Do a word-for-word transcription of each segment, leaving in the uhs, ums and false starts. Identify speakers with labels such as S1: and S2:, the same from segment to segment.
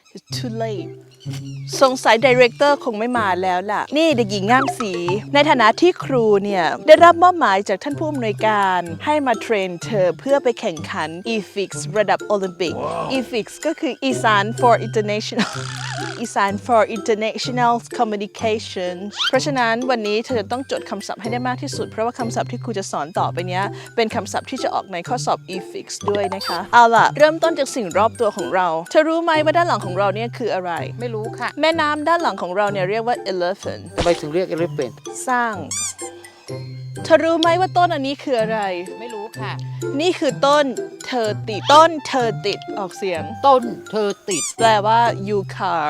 S1: too late สงสัยดีเรคเตอร์คงไม่มาแล้วล่ะนี่เด็กหญิงงามศรีในฐานะที่ครูเนี่ยได้รับมอบหมายจากท่านผู้อำนวยการให้มาเทรนเธอเพื่อไปแข่งขัน อี ฟิกซ์ ระดับโอลิมปิก อี ฟิกซ์ ก็คืออีสาน for international อีสาน for international communication เพราะฉะนั้นวันนี้เธอจะต้องจดคำศัพท์ให้ได้มากที่สุดเพราะว่าคำศัพท์ที่ครูจะสอนต่อไปเนี้ยเป็นคำศัพท์ที่จะออกในข้อสอบ อี ฟิกซ์ ด้วยนะคะเอาล่ะเริ่มต้นจากสิ่งรอบตัวของเราเธอรู้ไหมว่าด้านหลังของเราเนี่ยคืออะไร
S2: ไม่รู้ค่ะ
S1: แม่น้ำด้านหลังของเราเนี่ยเรียกว่า elephant
S2: ทำไมถึงเรียกเอลิเฟนต์
S1: สร้างเธอรู้ไหมว่าต้นอันนี้คืออะไร
S2: ไม่รู้ค่ะ
S1: นี่คือต้นเธอติดต้นเธอติดออกเสียง
S2: ต้นเธอติด
S1: แปลว่า you car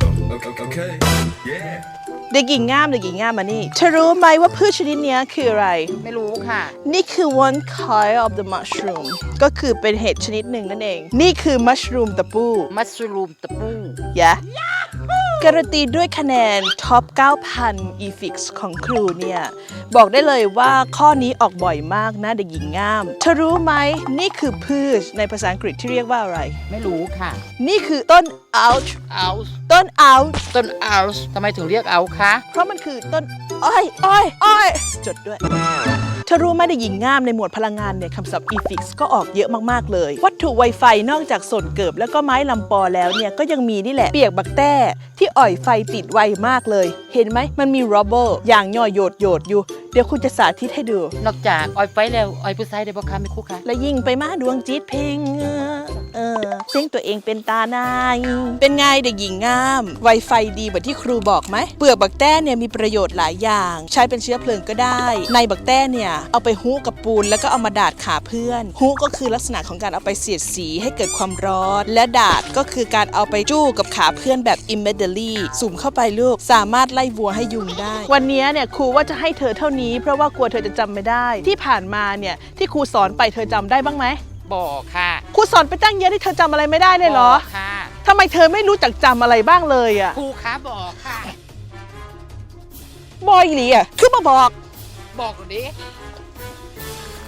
S3: Okay. Yeah.
S1: เด็กหญิงงามเด็กหญิงงามมานี่เธอรู้ไหมว่าพืชชนิดนี้คืออะไร
S2: ไม่รู้ค่ะ
S1: นี่คือ one kind of the mushroom ก็คือเป็นเห็ดชนิดหนึ่งนั่นเองนี่คือ mushroom ตะปู
S2: มัสรูมตะปู
S1: yeah การันตีด้วยคะแนนท็อป เก้าพัน อี ฟิกซ์ ของครูเนี่ยบอกได้เลยว่าข้อนี้ออกบ่อยมากนะเด็กหญิงงามเธอรู้ไหมนี่คือพืชในภาษาอังกฤษที่เรียกว่าอะไร
S2: ไม่รู้ค่ะ
S1: นี่คือต้น ouch
S2: เอาส์
S1: ต้น ouch
S2: ต้นเอาส์ทำไมถึงเรียกเอาคะ
S1: เพราะมันคือต้นอ้อยอ้อยอ้อยจดด้วยเธอรู้ไหมเด็กหญิงงามในหมวดพลังงานเนี่ยคำศัพท์ อี ฟิกซ์ ก็ออกเยอะมากๆเลยวัตถุไวไฟนอกจากส่วนเกิบแล้วก็ไม้ลำปอแล้วเนี่ยก็ยังมีนี่แหละเปียกบักแต้ที่อ่อยไฟติดไวมากเลยเห็นไหมมันมีร็อบเบิลอย่างย่อยโยดโยดอยู่เดี๋ยวคุณจะสาธิตให้ดู
S2: นอกจากออยไฟแล้วออยผู้ชายได้บ่คะไม่คู่ค่ะ
S1: และยิ่งไปมาดวงจิตเพลงเออเสียงตัวเองเป็นตานายเป็นไงเด็กหญิงงามไวไฟดีแบบที่ครูบอกไหมเปลือกบักแต้เนี่ยมีประโยชน์หลายอย่างใช้เป็นเชื้อเพลิงก็ได้ในบักแต้เนี่ยเอาไปฮู้กับปูนแล้วก็เอามาดาดขาเพื่อนฮู้ก็คือลักษณะของการเอาไปเสียดสีให้เกิดความร้อนและดาดก็คือการเอาไปจู้กับขาเพื่อนแบบ immediately สุ่มเข้าไปลูกสามารถไล่วัวให้ยุงได้วันนี้เนี่ยครูว่าจะให้เธอเท่านี้เพราะว่ากลัวเธอจะจำไม่ได้ที่ผ่านมาเนี่ยที่ครูสอนไปเธอจำได้บ้างไหม
S2: บอกค่ะ
S1: ครูสอนไปตั้งเยอะที่เธอจำอะไรไม่ได้เลยเหรอ
S2: บอกค่ะ
S1: ทำไมเธอไม่รู้จักจำอะไรบ้างเลยอ่ะ
S2: ครูคะบอกค่ะ
S1: บอยหลีอ่ะคือมาบอก
S2: บอกหนูดิ